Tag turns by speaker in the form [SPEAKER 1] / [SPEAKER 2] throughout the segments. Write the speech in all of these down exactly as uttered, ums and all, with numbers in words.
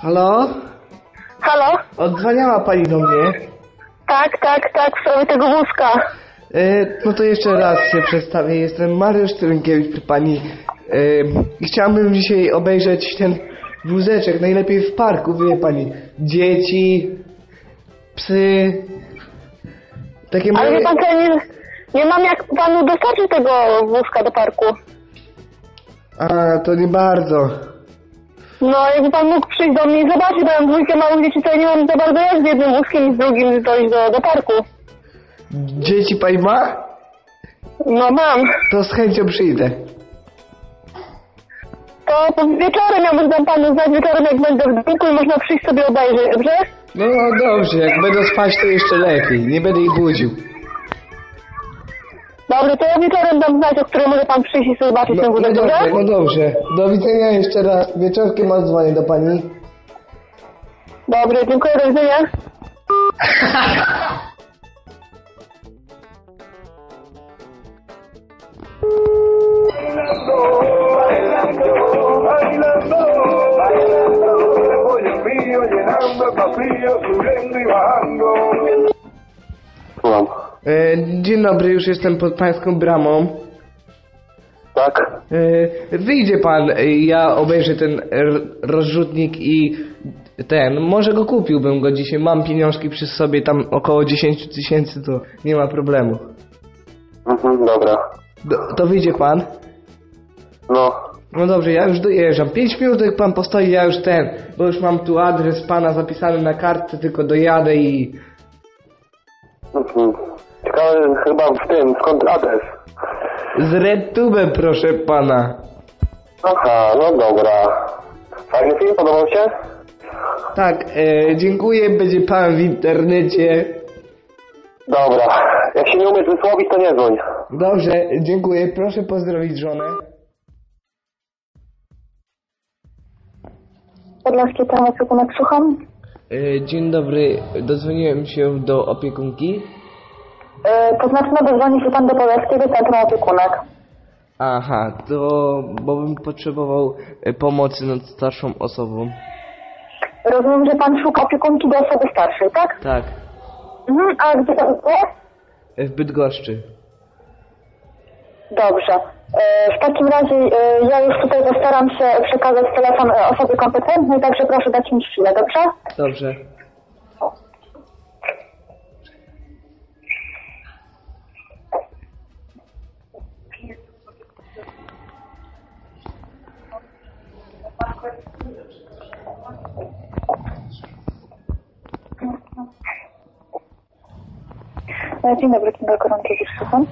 [SPEAKER 1] Halo?
[SPEAKER 2] Halo?
[SPEAKER 1] Odzwaniała pani do mnie.
[SPEAKER 2] Tak, tak, tak, w sprawie tego wózka.
[SPEAKER 1] E, no to jeszcze raz się przedstawię. Jestem Mariusz Trynkiewicz przy pani. E, i chciałbym dzisiaj obejrzeć ten wózeczek, najlepiej w parku, wie pani. Dzieci, psy. Takie
[SPEAKER 2] Ale
[SPEAKER 1] małe...
[SPEAKER 2] wie pan co, ja nie, nie mam jak panu dostarczyć tego wózka do parku.
[SPEAKER 1] A, to nie bardzo.
[SPEAKER 2] No, jakby pan mógł przyjść do mnie i zobaczyć, bo ja mam dwójkę małych dzieci, to ja nie mam za bardzo jak z jednym wózkiem i z drugim dojść do, do parku.
[SPEAKER 1] Dzieci pani ma?
[SPEAKER 2] No mam.
[SPEAKER 1] To z chęcią przyjdę.
[SPEAKER 2] To wieczorem ja może dam panu znać, wieczorem jak będę w domku i można przyjść sobie obejrzeć, dobrze?
[SPEAKER 1] No dobrze, jak będą spać to jeszcze lepiej. Nie będę ich budził.
[SPEAKER 2] Dobrze, to ja wieczorem dam znać, o której może pan przyjść i sobie zobaczyć
[SPEAKER 1] No,
[SPEAKER 2] ten
[SPEAKER 1] no
[SPEAKER 2] wózek,
[SPEAKER 1] dobrze,
[SPEAKER 2] dobrze?
[SPEAKER 1] no dobrze. Do widzenia jeszcze raz. Wieczorkiem odzwonię do pani.
[SPEAKER 2] Dobrze, dziękuję, do widzenia.
[SPEAKER 3] Słucham.
[SPEAKER 1] E, dzień dobry, już jestem pod pańską bramą.
[SPEAKER 3] Tak?
[SPEAKER 1] E, wyjdzie pan, e, ja obejrzę ten r- rozrzutnik i ten, może go kupiłbym go dzisiaj, mam pieniążki przy sobie, tam około dziesięć tysięcy, to nie ma problemu.
[SPEAKER 3] Mhm, dobra.
[SPEAKER 1] Do, to wyjdzie pan?
[SPEAKER 3] No.
[SPEAKER 1] No dobrze, ja już dojeżdżam. Pięć minut jak pan postoi, ja już ten, bo już mam tu adres pana zapisany na kartce, tylko dojadę i...
[SPEAKER 3] Mhm. Ciekawe chyba w tym, skąd adres?
[SPEAKER 1] Z RedTube, proszę pana.
[SPEAKER 3] Aha, no dobra. Fajny film, podobał się?
[SPEAKER 1] Tak, e, dziękuję, będzie pan w internecie.
[SPEAKER 3] Dobra. Jak się nie umiesz wysłowić, to nie dzwoń.
[SPEAKER 1] Dobrze, dziękuję, proszę pozdrowić żonę.
[SPEAKER 2] Podlaskie tam opiekunek, słucham.
[SPEAKER 1] E, dzień dobry, dodzwoniłem się do opiekunki.
[SPEAKER 2] Yy, to znaczy, no dozwoni się pan do Podlaskiego Centrum Opiekunek.
[SPEAKER 1] Aha, to bo bym potrzebował e, pomocy nad starszą osobą.
[SPEAKER 2] Rozumiem, że pan szuka opiekunki do osoby starszej, tak?
[SPEAKER 1] Tak,
[SPEAKER 2] Mhm, a gdzie pan jest?
[SPEAKER 1] e, w Bydgoszczy.
[SPEAKER 2] Dobrze. E, w takim razie e, ja już tutaj postaram się przekazać telefon e, osobie kompetentnej, także proszę dać mi chwilę, dobrze?
[SPEAKER 1] Dobrze.
[SPEAKER 2] E, Dzień dobry, Kinga Koronkiewicz, słucham.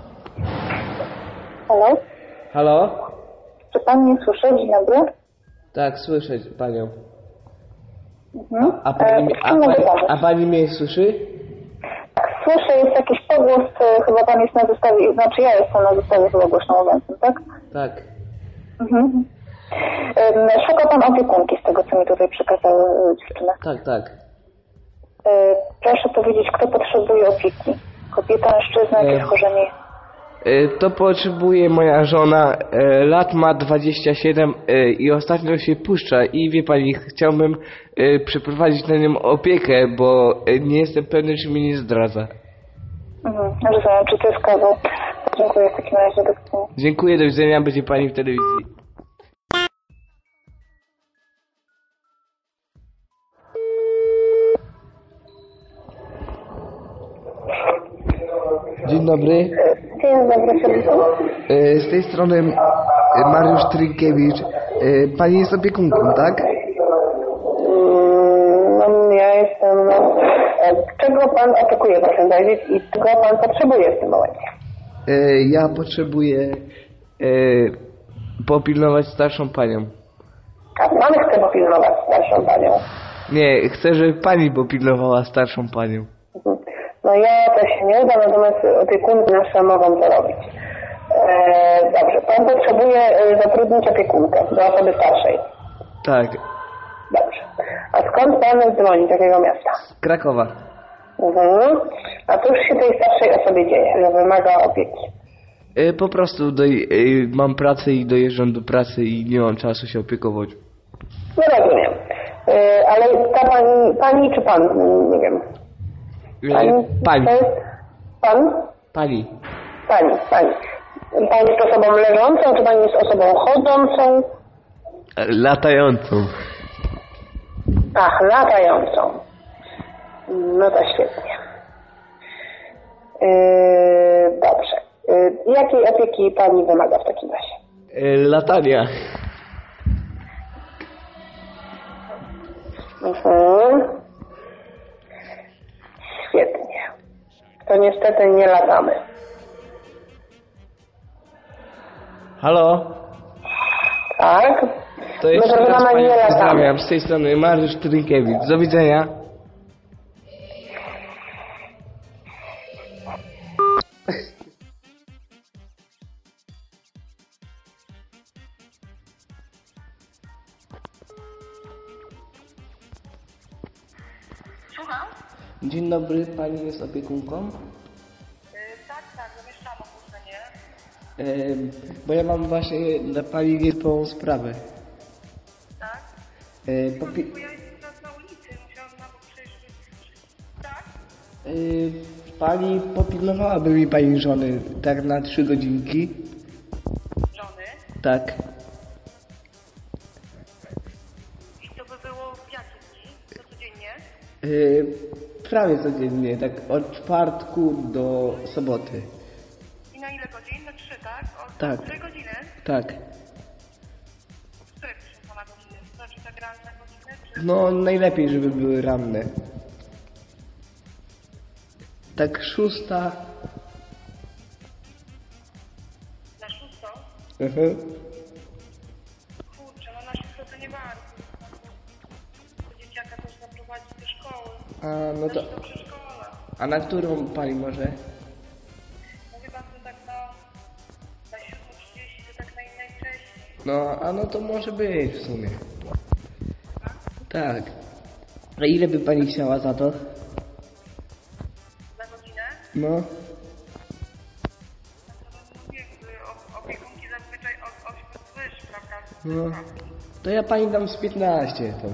[SPEAKER 2] Halo?
[SPEAKER 1] Halo?
[SPEAKER 2] Czy pan mnie słyszy? Dzień dobry.
[SPEAKER 1] Tak, słyszę panią.
[SPEAKER 2] Mhm.
[SPEAKER 1] A pani, mnie- a,
[SPEAKER 2] czym mogę
[SPEAKER 1] pani,
[SPEAKER 2] pomóc?
[SPEAKER 1] a pani mnie słyszy?
[SPEAKER 2] Tak, słyszę, jest jakiś pogłos, e, chyba pan jest na zestawie, znaczy ja jestem na zestawie chyba głośnomówiącym, tak?
[SPEAKER 1] Tak.
[SPEAKER 2] Mhm. Em, Szuka pan opiekunki z tego, co mi tutaj przekazały e, dziewczyny.
[SPEAKER 1] Tak, tak.
[SPEAKER 2] E, Proszę powiedzieć, kto potrzebuje opieki? Kobieta, mężczyzna, jakieś
[SPEAKER 1] E.
[SPEAKER 2] schorzenie?
[SPEAKER 1] E, To potrzebuje moja żona, e, lat ma dwadzieścia siedem e, i ostatnio się puszcza i wie pani, chciałbym e, przeprowadzić na nią opiekę, bo e, nie jestem pewny, czy mi nie zdradza.
[SPEAKER 2] Mhm, rozumiem, czy to jest kawał. Dziękuję w takim razie, do widzenia.
[SPEAKER 1] Dziękuję, do widzenia, będzie pani w telewizji. Dzień dobry.
[SPEAKER 2] Dzień dobry, serdecznie.
[SPEAKER 1] E, Z tej strony e, Mariusz Trynkiewicz. E, Pani jest opiekunką, tak?
[SPEAKER 2] No, ja jestem... Czego pan oczekuje, proszę powiedzieć, i czego pan potrzebuje w tym momencie?
[SPEAKER 1] E, Ja potrzebuję e, popilnować starszą panią.
[SPEAKER 2] A pan chce popilnować starszą panią.
[SPEAKER 1] Nie, chcę, żeby pani popilnowała starszą panią.
[SPEAKER 2] Mhm. No ja to się nie uda, natomiast opiekunki nasze mogą to robić. E, dobrze, pan potrzebuje e, zatrudnić opiekunkę do osoby starszej.
[SPEAKER 1] Tak,
[SPEAKER 2] Dobrze. A skąd pan dzwoni, z jakiego miasta?
[SPEAKER 1] z Krakowa.
[SPEAKER 2] Mhm. A cóż się tej starszej osobie dzieje, że wymaga opieki?
[SPEAKER 1] E, Po prostu doj- e, mam pracę i dojeżdżam do pracy i nie mam czasu się opiekować.
[SPEAKER 2] No rozumiem. Yy, ale ta pani, pani czy pan? Nie wiem.
[SPEAKER 1] E, Pani.
[SPEAKER 2] To jest pan?
[SPEAKER 1] Pani.
[SPEAKER 2] Pani, pani. Pani jest osobą leżącą, czy pani jest osobą chodzącą?
[SPEAKER 1] E, Latającą.
[SPEAKER 2] Ach, latającą. No to świetnie. Yy, dobrze. Yy, jakiej opieki pani wymaga w takim razie?
[SPEAKER 1] E, Latania.
[SPEAKER 2] Mhm. Świetnie. To niestety nie latamy.
[SPEAKER 1] Halo?
[SPEAKER 2] Tak?
[SPEAKER 1] To
[SPEAKER 2] My
[SPEAKER 1] jeszcze
[SPEAKER 2] proszę
[SPEAKER 1] raz
[SPEAKER 2] pana
[SPEAKER 1] Panią
[SPEAKER 2] nie latamy.
[SPEAKER 1] pozdrawiam. Z tej strony Mariusz Trynkiewicz. Do widzenia.
[SPEAKER 2] Słucham?
[SPEAKER 1] Dzień dobry, Pani jest opiekunką?
[SPEAKER 2] Yy, tak, tak, zamieszczam ogłoszenie.
[SPEAKER 1] E, bo ja mam właśnie dla Pani wielką sprawę.
[SPEAKER 2] Tak?
[SPEAKER 1] E, popi-
[SPEAKER 2] Bo ja jestem teraz na ulicy, musiałam na bok przejść. Tak?
[SPEAKER 1] e, Pani popilnowałaby mi Pani żony tak na trzy godzinki?
[SPEAKER 2] Żony.
[SPEAKER 1] Tak.
[SPEAKER 2] I to by było w jakie dni? To codziennie?
[SPEAKER 1] E, prawie codziennie, tak od czwartku do soboty.
[SPEAKER 2] I na ile godzin? Na trzy, tak? Od
[SPEAKER 1] Tak.
[SPEAKER 2] cztery godziny?
[SPEAKER 1] Tak.
[SPEAKER 2] Które proszę pana godziny? To znaczy tak ranne godziny? Czy...
[SPEAKER 1] No najlepiej, żeby były ranne. Tak szósta.
[SPEAKER 2] Na szóstą?
[SPEAKER 1] Mhm.
[SPEAKER 2] Kurczę, no na szóstą to nie bardzo. To dzieciaka też zaprowadzić do szkoły.
[SPEAKER 1] A no to.
[SPEAKER 2] Znaczy do przedszkola.
[SPEAKER 1] A na którą Pani może?
[SPEAKER 2] No chyba to tak na... Na siódmą trzydzieści to tak naj, najwcześniej.
[SPEAKER 1] No, a no to może być w sumie. Tak. A ile by Pani chciała za to?
[SPEAKER 2] Na godzinę?
[SPEAKER 1] No.
[SPEAKER 2] No to mówię, o- opiekunki zazwyczaj od ośmiu wyż, prawda?
[SPEAKER 1] No. To ja Pani dam z piętnaście to.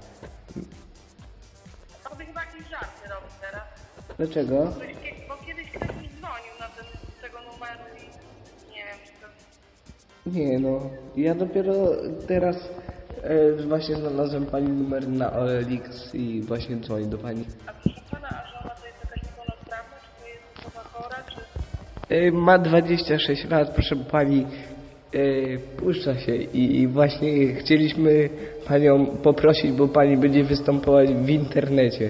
[SPEAKER 2] To by chyba jakiś żart nie robił teraz.
[SPEAKER 1] Dlaczego?
[SPEAKER 2] Ktoś, kie- bo kiedyś ktoś mi dzwonił na ten, z tego numeru i nie wiem, czy to...
[SPEAKER 1] Nie no. Ja dopiero teraz e, właśnie znalazłem Pani numer na O L X i właśnie dzwonię do Pani.
[SPEAKER 2] A proszę pana, a żona to jest jakaś niepełnosprawna, czy to jest osoba chora, czy...
[SPEAKER 1] E, ma dwadzieścia sześć lat, proszę Pani. E, puszcza się i, i właśnie chcieliśmy Panią poprosić, bo Pani będzie występować w internecie.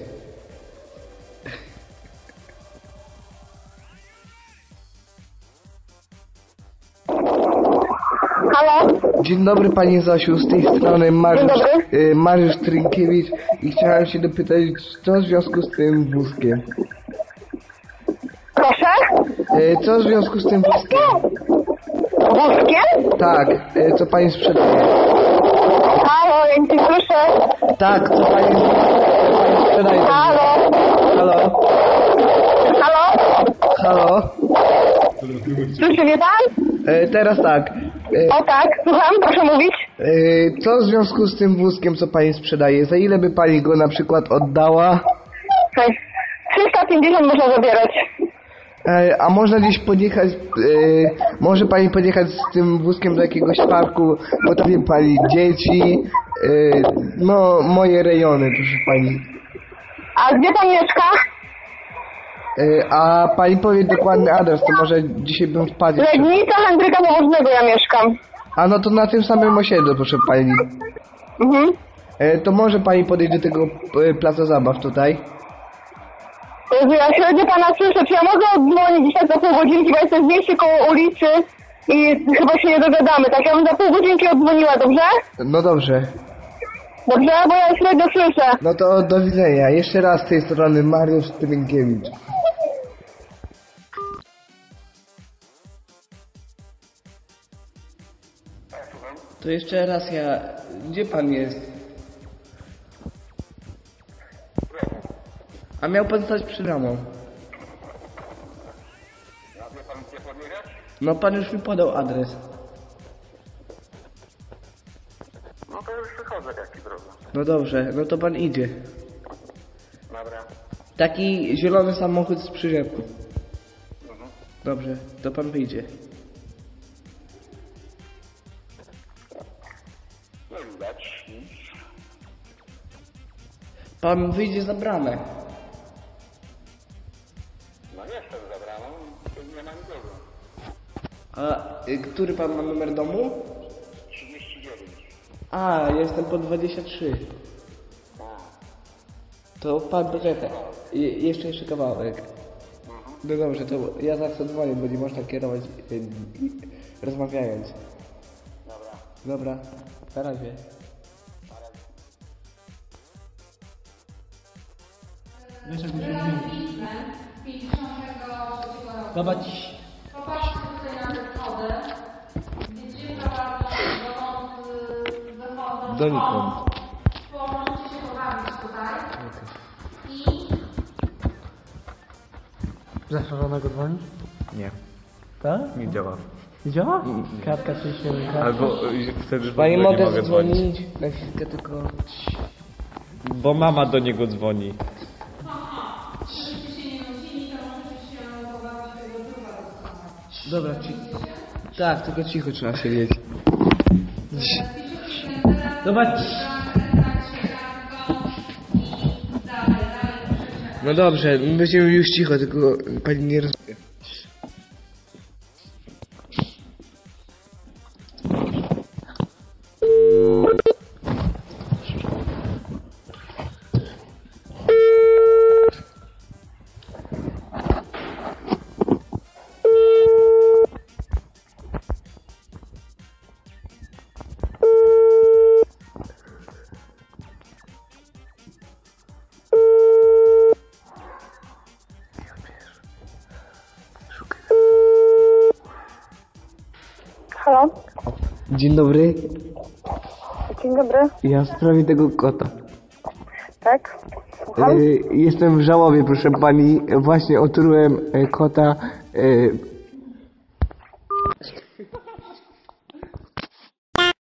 [SPEAKER 2] Halo?
[SPEAKER 1] Dzień dobry Pani Zosiu, z tej strony Mariusz,
[SPEAKER 2] Dzień dobry.
[SPEAKER 1] e, Mariusz Trynkiewicz i chciałem się dopytać, co w związku z tym wózkiem?
[SPEAKER 2] Proszę?
[SPEAKER 1] E, co w związku z tym wózkiem?
[SPEAKER 2] Wózkiem?
[SPEAKER 1] Tak, e, co Pani sprzedaje?
[SPEAKER 2] Halo, ja nie słyszę.
[SPEAKER 1] Tak, co Pani, co pani sprzedaje?
[SPEAKER 2] Halo?
[SPEAKER 1] Halo?
[SPEAKER 2] Halo?
[SPEAKER 1] Halo?
[SPEAKER 2] Słyszy mnie pan?
[SPEAKER 1] E, teraz tak, e,
[SPEAKER 2] O tak, słucham, proszę mówić.
[SPEAKER 1] e, co w związku z tym wózkiem, co Pani sprzedaje? Za ile by Pani go na przykład oddała?
[SPEAKER 2] trzysta pięćdziesiąt można zabierać.
[SPEAKER 1] E, a można gdzieś podjechać, e, może Pani podjechać z tym wózkiem do jakiegoś parku, bo tam wie Pani, dzieci, e, no moje rejony, proszę Pani.
[SPEAKER 2] A gdzie pan mieszka?
[SPEAKER 1] E, a Pani powie dokładny adres, to może dzisiaj bym wpadł. jeszcze.
[SPEAKER 2] Legnica Henryka Pobożnego ja mieszkam.
[SPEAKER 1] A no to na tym samym osiedlu, proszę Pani.
[SPEAKER 2] Mhm.
[SPEAKER 1] E, to może Pani podejść do tego e, placu zabaw tutaj?
[SPEAKER 2] Jezu, ja średnio pana słyszę, czy ja mogę oddzwonić dzisiaj za pół godzinki, bo jestem w mieście koło ulicy i chyba się nie dogadamy, tak? Ja bym za pół godzinki oddzwoniła, dobrze?
[SPEAKER 1] No dobrze.
[SPEAKER 2] Dobrze, bo ja średnio słyszę.
[SPEAKER 1] No to do widzenia. Jeszcze raz z tej strony Mariusz Trynkiewicz. To jeszcze raz ja... Gdzie Pan jest? A miał Pan stać przed bramą. No Pan już mi podał adres.
[SPEAKER 3] No to już wychodzę, jaki problem.
[SPEAKER 1] No dobrze, no to pan idzie.
[SPEAKER 3] Dobra.
[SPEAKER 1] Taki zielony samochód z przyczepką.
[SPEAKER 3] Mhm.
[SPEAKER 1] Dobrze, to pan wyjdzie.
[SPEAKER 3] Nie widać nic.
[SPEAKER 1] Pan wyjdzie za bramę.
[SPEAKER 3] No jestem za bramą, nie ma nikogo.
[SPEAKER 1] A y, który pan ma numer domu?
[SPEAKER 3] trzydzieści dziewięć.
[SPEAKER 1] A, jestem po dwadzieścia trzy. To pan poczeka. Je, jeszcze jeszcze kawałek. No dobrze, to ja zawsze dzwonię, bo nie można kierować y, y, rozmawiając.
[SPEAKER 3] Dobra.
[SPEAKER 1] Dobra, na razie. Wiesz, jak muszę zmienić. Zobacz.
[SPEAKER 4] Popatrzcie tutaj na te schody, gdzie prowadzą dokąd wychodzą.
[SPEAKER 1] Donikąd.
[SPEAKER 4] Bo możecie się pobawić tutaj. I
[SPEAKER 5] Zaszarzonego dzwonić?
[SPEAKER 1] Nie,
[SPEAKER 5] Tak?
[SPEAKER 1] nie działa.
[SPEAKER 5] Nie działa? Kratka czy się kratka?
[SPEAKER 6] Albo y, wtedy w
[SPEAKER 1] Pani
[SPEAKER 6] ogóle nie
[SPEAKER 1] mogę
[SPEAKER 6] mogę dzwonić.
[SPEAKER 1] dzwonić na chwilkę tylko.
[SPEAKER 6] Bo mama do niego dzwoni.
[SPEAKER 4] żebyście się nie nudzili, to możecie się pobawić tego druga rozsądka.
[SPEAKER 1] Dobra, ci... Tak, tylko cicho trzeba siedzieć. Zobacz. No dobrze, będziemy już cicho, tylko pani nie roz...
[SPEAKER 2] Halo?
[SPEAKER 1] Dzień dobry,
[SPEAKER 2] Dzień dobry.
[SPEAKER 1] ja w sprawie tego kota.
[SPEAKER 2] Tak? Słucham?
[SPEAKER 1] Y, jestem w żałobie, proszę pani. Właśnie otrułem y, kota y,